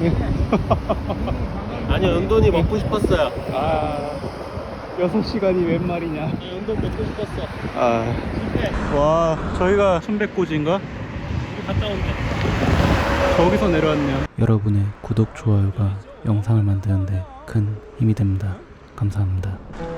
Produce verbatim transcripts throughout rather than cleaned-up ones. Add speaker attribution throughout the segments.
Speaker 1: 아니요, 은돈이 먹고 싶었어요.
Speaker 2: 아, 여섯 시간이 웬 말이냐.
Speaker 1: 은돈 먹고 싶었어.
Speaker 2: 아, 와, 저희가 천백고지인가?
Speaker 1: 우리 갔다 온대.
Speaker 2: 저기서 내려왔네요.
Speaker 3: 여러분의 구독, 좋아요가 영상을 만드는데 큰 힘이 됩니다. 감사합니다.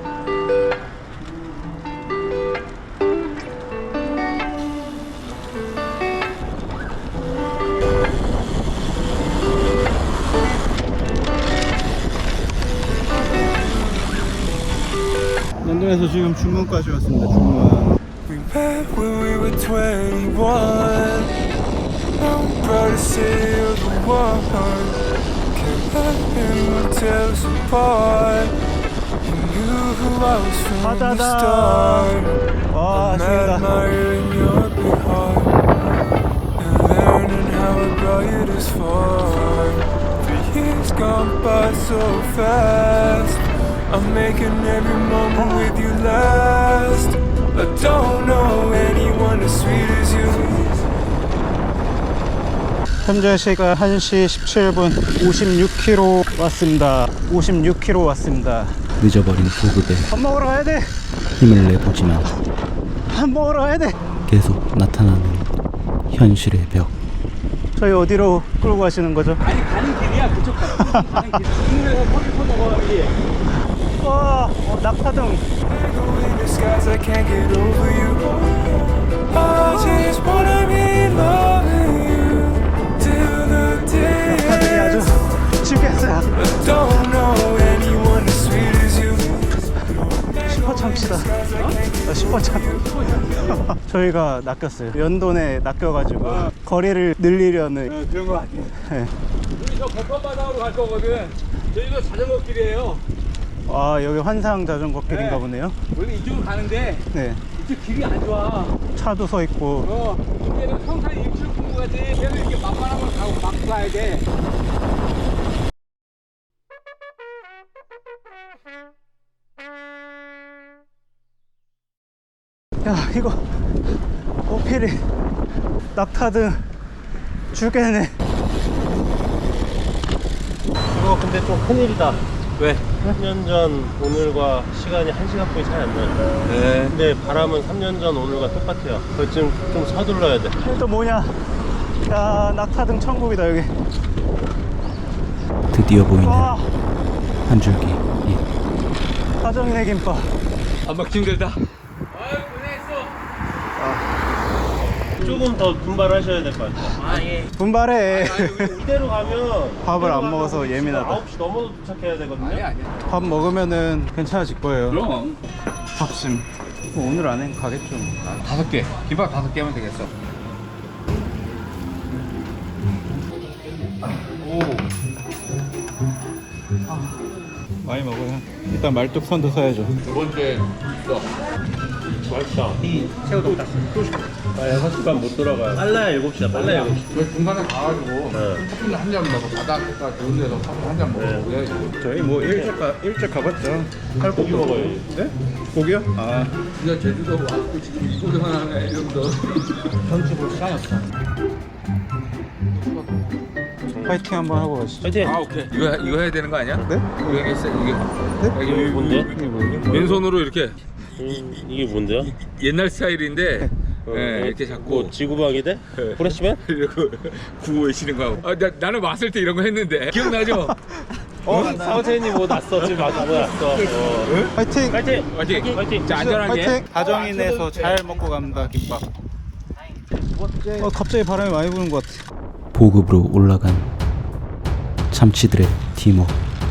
Speaker 2: 런던에서 지금 중문까지 왔습니다. 중문.
Speaker 4: We met when we were twenty-one. Now we're proud to say you're the one. Can't let anyone tear us apart. You knew who I was from the start.
Speaker 2: 와,
Speaker 4: I'm
Speaker 2: 죽인다.
Speaker 4: admiring your big heart and learning how I brought you this far. Three years gone by so fast. I'm making every moment with you last. I don't know anyone as sweet as you.
Speaker 2: 현재 시간 한 시 십칠 분 오십육 킬로미터 왔습니다. 오십육 킬로미터 왔습니다.
Speaker 3: 늦어버린 보급에
Speaker 2: 밥 먹으러 가야 돼.
Speaker 3: 힘을 내보지만
Speaker 2: 밥 먹으러 가야 돼.
Speaker 3: 계속 나타나는 현실의 벽.
Speaker 2: 저희 어디로 끌고 가시는 거죠?
Speaker 1: 아니, 가는 길이야. 그쪽 가는 길. 국물에서 커피 퍼먹어야지.
Speaker 2: 와, 어, 낙하등.
Speaker 4: In the skies, I can't get over you. I just wanna be loving you till the day
Speaker 2: 낙하등이 아주
Speaker 4: ends.
Speaker 2: 죽겠어요.
Speaker 4: I don't know anyone as sweet as you.
Speaker 2: 슈퍼참치다. 어? 슈퍼참. 저희가 낚였어요. 연돈에 낚여가지고 거리를 늘리려는.
Speaker 1: 그런 거 같아요.
Speaker 2: 네.
Speaker 1: 우리 저 백번바다로 갈 거거든. 저희가 자전거 길이에요.
Speaker 2: 아, 여기 환상 자전거 길인가
Speaker 1: 네.
Speaker 2: 보네요.
Speaker 1: 원래 이쪽으로 가는데
Speaker 2: 네.
Speaker 1: 이쪽 길이 안 좋아.
Speaker 2: 차도 서 있고.
Speaker 1: 어, 이제는 평상 일출 본 거지. 그래서 이렇게 만만한 걸 가고 막 가야 돼.
Speaker 2: 야, 이거 어필이 낙타등 죽겠네.
Speaker 1: 이거 근데 좀 큰일이다.
Speaker 5: 왜?
Speaker 1: 삼 년 전 오늘과 시간이 한 시간뿐이 차이 안 나요.
Speaker 5: 네.
Speaker 1: 근데 바람은 삼 년 전 오늘과 똑같아요. 그거 지금 좀 서둘러야 돼.
Speaker 2: 이게 또 뭐냐? 야, 낙타등 천국이다 여기.
Speaker 3: 드디어 보이는
Speaker 2: 와,
Speaker 3: 한 줄기 빛.
Speaker 2: 가정이네 김밥.
Speaker 5: 안 막히 힘들다.
Speaker 1: 조금 더 분발하셔야 될 것 같아요. 아, 예.
Speaker 2: 분발해.
Speaker 1: 이대로 가면
Speaker 2: 밥을 안
Speaker 1: 이대로
Speaker 2: 먹어서
Speaker 1: 가면
Speaker 2: 예민하다.
Speaker 1: 아홉 시 넘어도 도착해야 되거든요. 아니, 아니.
Speaker 2: 밥 먹으면은 괜찮아질 거예요.
Speaker 5: 그럼
Speaker 2: 밥심. 뭐 오늘 안에 가겠죠.
Speaker 5: 다섯 개. 김밥 다섯 개면 되겠어.
Speaker 2: 많이 먹어요. 일단 말뚝선도 사야죠.
Speaker 5: 두 번째 또
Speaker 1: 맛있다. 이 새우 돈가스. 아, 여섯 시 반 못 돌아가요. 빨라야 일곱 시다. 빨라야 일곱 시.
Speaker 5: 저희 중간에 가가지고
Speaker 1: 네.
Speaker 5: 커피를 한 잔 먹고 바닷가 좋은 데서 커피 한 잔 먹고 그래야지.
Speaker 2: 저희 뭐 일찍 가 일찍 가봤죠.
Speaker 1: 고기 먹어야지.
Speaker 2: 네? 고기요? 아,
Speaker 5: 진짜 제주도 왔고 지금 이거만 하네 이러면서.
Speaker 1: 전체 볼 시간이 없어.
Speaker 2: 파이팅 한번 하고 가시죠.
Speaker 1: 파이팅!
Speaker 5: 아 오케이. 이거 이거 해야 되는 거 아니야?
Speaker 2: 네?
Speaker 5: 이거 해야겠어 이게.
Speaker 2: 네?
Speaker 1: 이게 뭔데?
Speaker 2: 이게 뭐예요?
Speaker 5: 왼손으로 이렇게
Speaker 1: 음, 이게 뭔데요?
Speaker 5: 옛날 스타일인데
Speaker 1: 어,
Speaker 5: 네,
Speaker 1: 어,
Speaker 5: 이렇게 잡고
Speaker 1: 뭐 지구방위 돼?
Speaker 5: 네.
Speaker 1: 프레시맨?
Speaker 5: 이러고 구호 외치는 거 하고. 아, 나, 나는 왔을 때 이런 거 했는데 기억나죠?
Speaker 1: 어? 사우체님 뭐 났어. 지금 아까 뭐 났어. 어.
Speaker 2: 파이팅!
Speaker 1: 파이팅!
Speaker 5: 화이팅!
Speaker 1: 파이팅!
Speaker 5: 자 안전하게.
Speaker 2: 파이팅! 가정인에서 잘 먹고 갑니다. 김밥. 어, 갑자기 바람이 많이 부는 것 같아.
Speaker 3: 보급으로 올라간 참치들의 팀워크.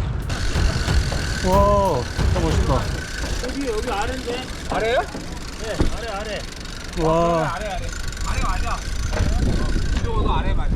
Speaker 2: 와, 진짜 멋있다.
Speaker 1: 여기 여기 아래인데?
Speaker 5: 아래요?
Speaker 1: 네, 아래 아래.
Speaker 2: 와,
Speaker 5: 아래 아래. 아래 맞아. 이쪽도 아래 맞아.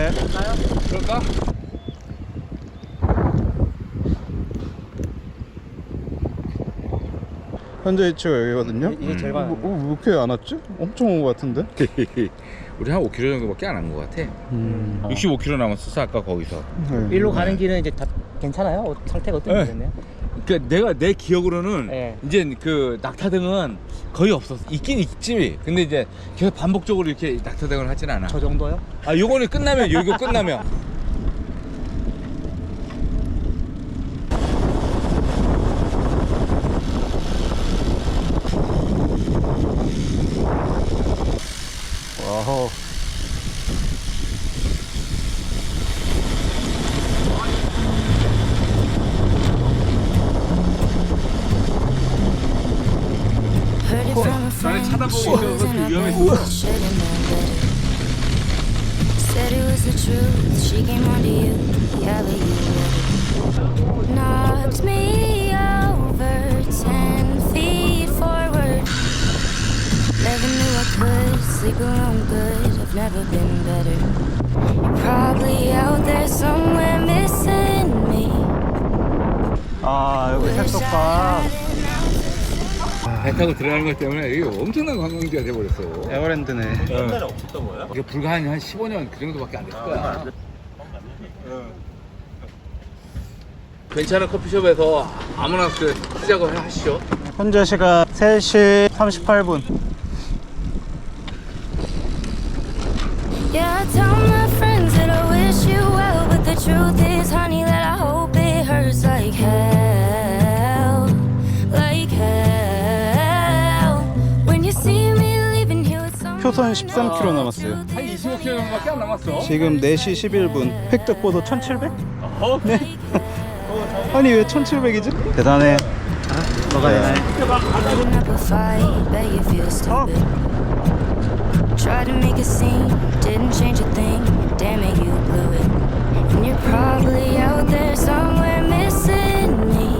Speaker 2: 네.
Speaker 5: 그럴까?
Speaker 2: 현재 위치가 여기거든요.
Speaker 6: 이게 제일 많아요.
Speaker 2: 뭐, 뭐, 왜 이렇게 안 왔지? 엄청 온 것 같은데.
Speaker 5: 우리 한 오 킬로미터 정도밖에 안 한 것 같아.
Speaker 2: 음.
Speaker 5: 육십오 킬로미터 남았었어 아까 거기서.
Speaker 2: 네.
Speaker 6: 일로 가는 길은 이제 다 괜찮아요? 어, 상태가 어떻게
Speaker 5: 네.
Speaker 6: 됐네요?
Speaker 5: 그러니까 내가 내 기억으로는
Speaker 6: 네.
Speaker 5: 이제 그 낙타등은 거의 없었어. 있긴 있지. 근데 이제 계속 반복적으로 이렇게 낙타등을 하진 않아.
Speaker 6: 저 정도요?
Speaker 5: 아 요거는 끝나면 요거 끝나면.
Speaker 2: 와우.
Speaker 7: Heard it from a friend. She was in her bed. Should've known better. Said it was the truth. She came onto you. Yeah, but you knocked me over ten feet forward. Never knew I could sleep alone good. I've never been better. You're probably out there somewhere missing me.
Speaker 2: 아, 여기
Speaker 7: Wish I
Speaker 2: 색소가
Speaker 7: had an ounce
Speaker 5: 배 타고 들어가는 것 때문에 이게 엄청난 관광지가 돼버렸어.
Speaker 2: 에버랜드네.
Speaker 1: 옛날에 없었던 거야?
Speaker 5: 이게 불과 한, 한 십오 년 그 정도밖에 안 됐을 거야. 괜찮은 커피숍에서 아무나 그 시작을 하시죠.
Speaker 2: 현재 시간 세 시 삼십팔 분.
Speaker 7: Yeah, I tell my friends that I wish you well, but the truth is, honey, that I hope it hurts like hell, like hell. When you see me leaving here with someone
Speaker 2: 표선 십삼 킬로미터 남았어요.
Speaker 5: 한 이십오 킬로미터밖에 안 남았어.
Speaker 2: 지금 네 시 십일 분. 획득보도 천칠백? 네. 아니 왜 천칠백이지? 대단해.
Speaker 6: 뭐가 되나요?
Speaker 7: putting up a fight, bet you feel stupid. Tried to make a scene, didn't change a thing. Damn it, you blew it. And you're probably out there somewhere missing me.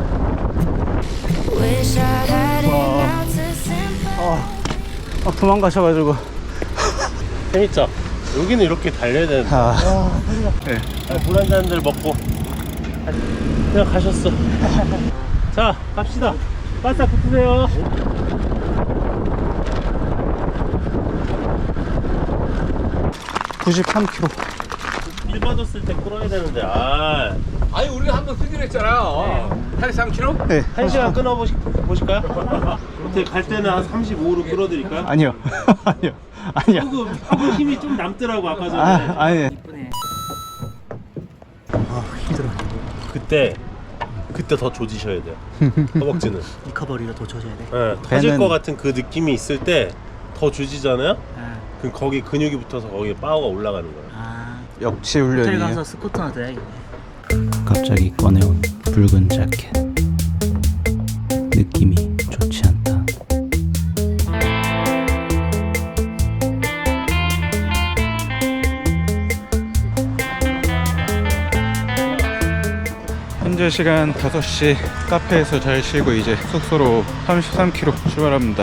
Speaker 7: Wish I had an ounce of sympathy.
Speaker 2: 아, 도망가셔가지고.
Speaker 1: 재밌죠? 여기는 이렇게 달려야 되는데.
Speaker 2: 아, 네.
Speaker 1: 물 한 잔들 먹고 그냥 가셨어. 자, 갑시다. 바싹 붙으세요.
Speaker 2: 구십삼 킬로미터.
Speaker 1: 일 받았을 때 끌어야 되는데. 아,
Speaker 5: 아니 우리가 한번 쓰기로 했잖아. 팔십삼 킬로미터?
Speaker 2: 네.
Speaker 1: 한 시간 끊어 보시, 보실까요? 어떻게 갈 때는 한 삼십오로 끌어드릴까요?
Speaker 2: 아니요. 아니요. 아니요.
Speaker 1: 그, 그 힘이 좀 남더라고 아까 전에.
Speaker 2: 아, 아니.
Speaker 6: 이쁘네.
Speaker 1: 그때 그때 더 조지셔야 돼요. 허벅지는.
Speaker 6: 리커버리가 더 쳐줘야 돼.
Speaker 1: 네, 터질
Speaker 2: 배는-
Speaker 1: 것 같은 그 느낌이 있을 때 더 조지잖아요.
Speaker 6: 아,
Speaker 1: 그럼 거기 근육이 붙어서 거기에 파워가 올라가는 거예요.
Speaker 6: 아.
Speaker 2: 역시
Speaker 6: 호텔
Speaker 2: 훈련이에요.
Speaker 6: 가서 스쿼트나 돼야겠네.
Speaker 3: 갑자기 꺼내온 붉은 자켓. 느낌이 좋지 않다.
Speaker 2: 현재 시간 다섯 시. 카페에서 잘 쉬고 이제 숙소로 삼십삼 킬로미터 출발합니다.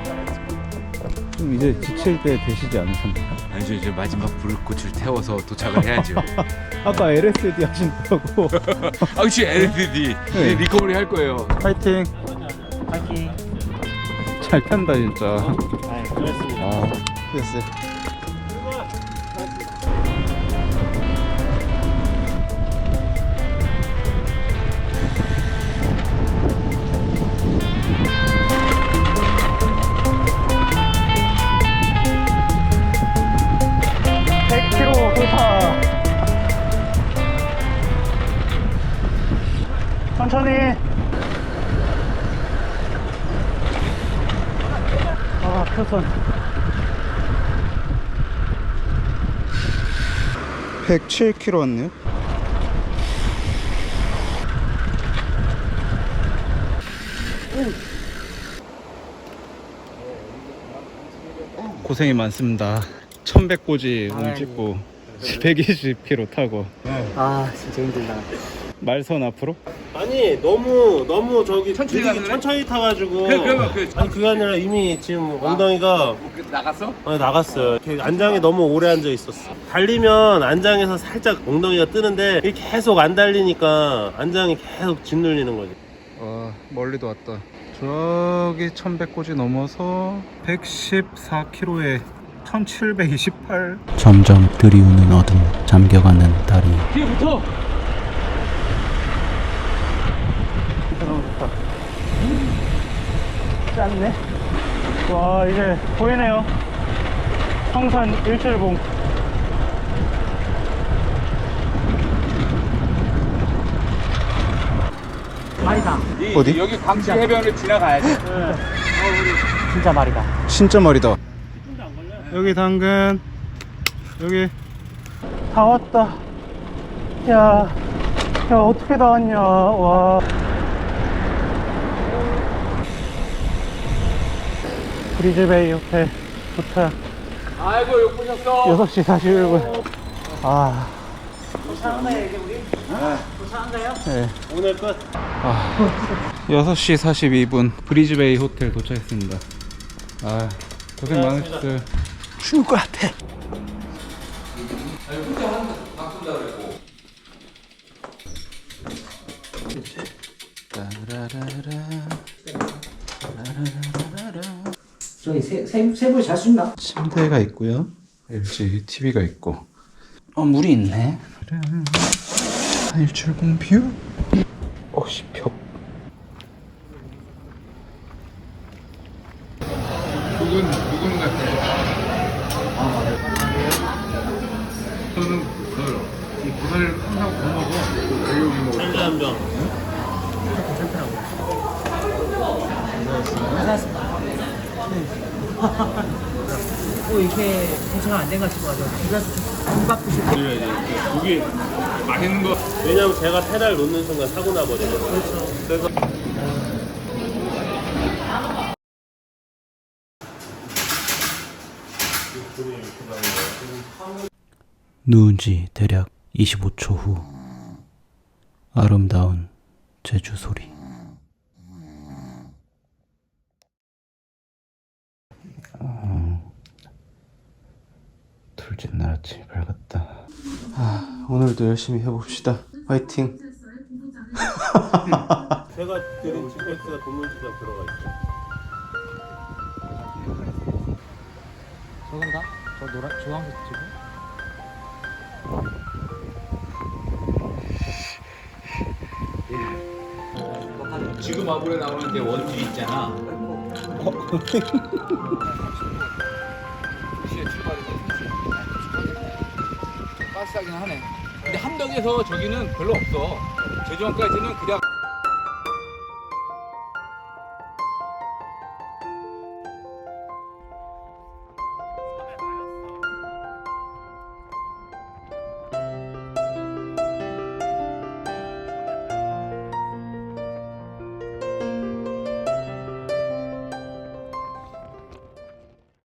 Speaker 2: 좀 이제 지칠 때 되시지 않으셨나요?
Speaker 5: 아니죠, 이제 마지막 불꽃을 태워서 도착을 해야죠.
Speaker 2: 아까 엘에스디 하신다고.
Speaker 5: 아, 그치, 엘에스디.
Speaker 2: 네.
Speaker 5: 리커버리 할 거예요.
Speaker 2: 파이팅.
Speaker 6: 파이팅.
Speaker 2: 잘 탄다 진짜.
Speaker 6: 아,
Speaker 1: 그렇습니다.
Speaker 2: 아, 됐어요. 백 킬로미터 돌파. 천천히. 아, 표선. 백칠 킬로미터 왔네요. 고생이 많습니다. 천백 고지 오늘 찍고 백이십 킬로미터 타고.
Speaker 6: 아, 진짜 힘들다.
Speaker 2: 말선 앞으로?
Speaker 1: 아니 너무 너무 저기
Speaker 5: 천천히
Speaker 1: 느리게
Speaker 5: 가는
Speaker 1: 천천히 타가지고.
Speaker 5: 그래, 그러면 그-
Speaker 1: 아니 그게 아니라 이미 지금 엉덩이가
Speaker 5: 그 나갔어?
Speaker 1: 어, 나갔어요. 이렇게 안장에 너무 오래 앉아 있었어. 달리면 안장에서 살짝 엉덩이가 뜨는데 이게 계속 안 달리니까 안장이 계속 짓눌리는 거지.
Speaker 2: 와 멀리도 왔다. 저기 천백 고지 넘어서 백십사 킬로미터에 천칠백이십팔.
Speaker 3: 점점 들이우는 어둠, 잠겨가는 다리.
Speaker 5: 뒤에 붙어!
Speaker 3: 짠네. 와 이제 보이네요. 성산 일출봉.
Speaker 6: 말이다.
Speaker 2: 어디?
Speaker 5: 여기 광주 해변을 지나가야 돼.
Speaker 6: 진짜 말이다.
Speaker 2: 진짜 멀이다. 여기 당근. 여기
Speaker 3: 다 왔다. 야, 야 어떻게 다 왔냐. 와. 브리즈베이 호텔 도착.
Speaker 5: 아이고, 욕 보셨어.
Speaker 3: 여섯 시 사십일 분. 아,
Speaker 6: 도착한가요 이제 우리? 도착한가요?
Speaker 3: 네.
Speaker 1: 오늘 끝.
Speaker 2: 여섯 시 사십이 분 브리즈베이 호텔 도착했습니다. 아 고생 많으셨어요.
Speaker 3: 죽을 것 같아.
Speaker 6: 저기 세세세 잘 수 있나?
Speaker 2: 침대가 있고요. 엘지 티비가 있고.
Speaker 3: 어 물이 있네.
Speaker 2: 일출봉 뷰. 어씨 벽.
Speaker 5: 누군, 누군 같아. 저는 그, 이 부산을 항상 못 먹어.
Speaker 1: 한잔 병.
Speaker 6: 뭐 이렇게 대처가 안 된 것 같고 비가 비밥 드실 때
Speaker 5: 여기 맛있는 거.
Speaker 1: 왜냐면 제가 페달 놓는 순간 사고 나거든요. 그래서
Speaker 3: 누운 지 대략 이십오 초 후. 아름다운 제주 소리. 어, 둘째 날 아침이 밝았다. 아, 오늘도 열심히 해봅시다. 화이팅.
Speaker 1: 제가 드린 지피에스가 동물주장 들어가 있죠.
Speaker 6: 저건가? 저 노란 주황색 지금?
Speaker 5: 지금 아브에 나오는 게 원주 있잖아. 시에 출발해서 가스하긴 하네. 근데 함덕에서 저기는 별로 없어. 제주항까지는 그냥